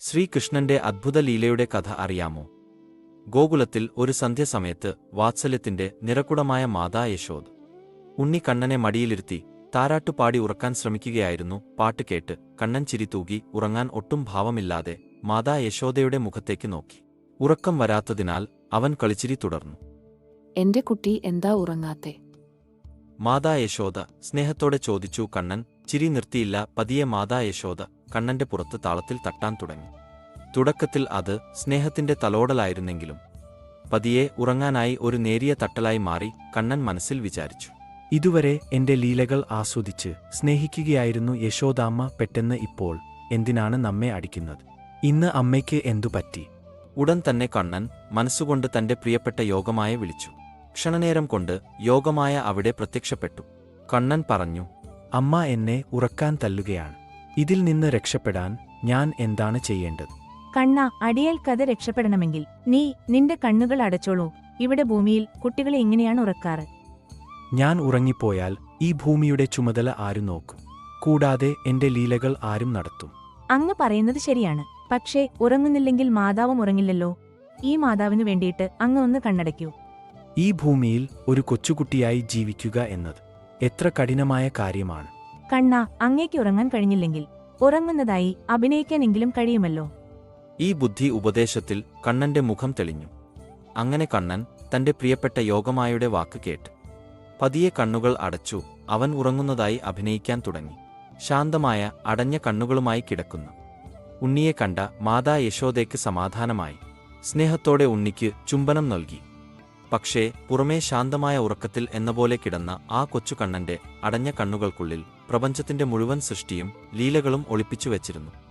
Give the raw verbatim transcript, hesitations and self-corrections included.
ശ്രീകൃഷ്ണന്റെ അദ്ഭുത ലീലയുടെ കഥ അറിയാമോ? ഗോകുലത്തിൽ ഒരു സന്ധ്യസമയത്ത് വാത്സല്യത്തിന്റെ നിറകുടമായ മാതാ യശോദ ഉണ്ണി കണ്ണനെ മടിയിലിരുത്തി താരാട്ടുപാടി ഉറക്കാൻ ശ്രമിക്കുകയായിരുന്നു. പാട്ട് കേട്ട് കണ്ണൻ ചിരി തൂകി ഉറങ്ങാൻ ഒട്ടും ഭാവമില്ലാതെ മാതാ യശോദയുടെ മുഖത്തേക്ക് നോക്കി. ഉറക്കം വരാത്തതിനാൽ അവൻ കളിച്ചിരി തുടർന്നു. എന്റെ കുട്ടി എന്താ ഉറങ്ങാത്തെ? മാതാ യശോദ സ്നേഹത്തോടെ ചോദിച്ചു. കണ്ണൻ ചിരി നിർത്തിയില്ല. പതിയെ മാതാ യശോദ കണ്ണന്റെ പുറത്ത് താളത്തിൽ തട്ടാൻ തുടങ്ങി. തുടക്കത്തിൽ അത് സ്നേഹത്തിന്റെ തലോടലായിരുന്നെങ്കിലും പതിയെ ഉറങ്ങാനായി ഒരു നേരിയ തട്ടലായി മാറി. കണ്ണൻ മനസ്സിൽ വിചാരിച്ചു, ഇതുവരെ എന്റെ ലീലകൾ ആസ്വദിച്ച് സ്നേഹിക്കുകയായിരുന്നു യശോദാമ്മ. പെട്ടെന്ന് ഇപ്പോൾ എന്തിനാണ് നമ്മെ അടിക്കുന്നത്? ഇന്ന് അമ്മയ്ക്ക് എന്തുപറ്റി? ഉടൻ തന്നെ കണ്ണൻ മനസ്സുകൊണ്ട് തന്റെ പ്രിയപ്പെട്ട യോഗമായ വിളിച്ചു. ക്ഷണനേരം കൊണ്ട് യോഗമായ അവിടെ പ്രത്യക്ഷപ്പെട്ടു. കണ്ണൻ പറഞ്ഞു, അമ്മ എന്നെ ഉറക്കാൻ തല്ലുകയാണ്. ഇതിൽ നിന്ന് രക്ഷപ്പെടാൻ ഞാൻ എന്താണ് ചെയ്യേണ്ടത്? കണ്ണ, അടിയേൽക്കത് രക്ഷപ്പെടണമെങ്കിൽ നീ നിന്റെ കണ്ണുകൾ അടച്ചോളൂ. ഇവിടെ ഭൂമിയിൽ കുട്ടികളെ എങ്ങനെയാണ് ഉറക്കാറ്? ഞാൻ ഉറങ്ങിപ്പോയാൽ ഈ ഭൂമിയുടെ ചുമതല ആരു നോക്കും? കൂടാതെ എന്റെ ലീലകൾ ആരും നടത്തും? അങ്ങ് പറയുന്നത് ശരിയാണ്. പക്ഷേ ഉറങ്ങുന്നില്ലെങ്കിൽ മാതാവും ഉറങ്ങില്ലല്ലോ. ഈ മാതാവിനു വേണ്ടിയിട്ട് അങ്ങ് ഒന്ന് കണ്ണടയ്ക്കൂ. ഈ ഭൂമിയിൽ ഒരു കൊച്ചുകുട്ടിയായി ജീവിക്കുക എന്നത് എത്ര കഠിനമായ കാര്യമാണ്. കണ്ണ, അങ്ങേക്ക് ഉറങ്ങാൻ കഴിഞ്ഞില്ലെങ്കിൽ ഉറങ്ങുന്നതായി അഭിനയിക്കാനെങ്കിലും കഴിയുമല്ലോ. ഈ ബുദ്ധി ഉപദേശത്തിൽ കണ്ണന്റെ മുഖം തെളിഞ്ഞു. അങ്ങനെ കണ്ണൻ തന്റെ പ്രിയപ്പെട്ട യോഗമായുടെ വാക്ക് കേട്ട് പതിയെ കണ്ണുകൾ അടച്ചു. അവൻ ഉറങ്ങുന്നതായി അഭിനയിക്കാൻ തുടങ്ങി. ശാന്തമായ അടഞ്ഞ കണ്ണുകളുമായി കിടക്കുന്ന ഉണ്ണിയെ കണ്ട മാതാ യശോദയ്ക്ക് സമാധാനമായി. സ്നേഹത്തോടെ ഉണ്ണിക്ക് ചുംബനം നൽകി. പക്ഷേ പുറമേ ശാന്തമായ ഉറക്കത്തിൽ എന്നപോലെ കിടന്ന ആ കൊച്ചു കണ്ണന്റെ അടഞ്ഞ കണ്ണുകൾക്കുള്ളിൽ പ്രപഞ്ചത്തിന്റെ മുഴുവൻ സൃഷ്ടിയും ലീലകളും ഒളിപ്പിച്ചു വച്ചിരുന്നു.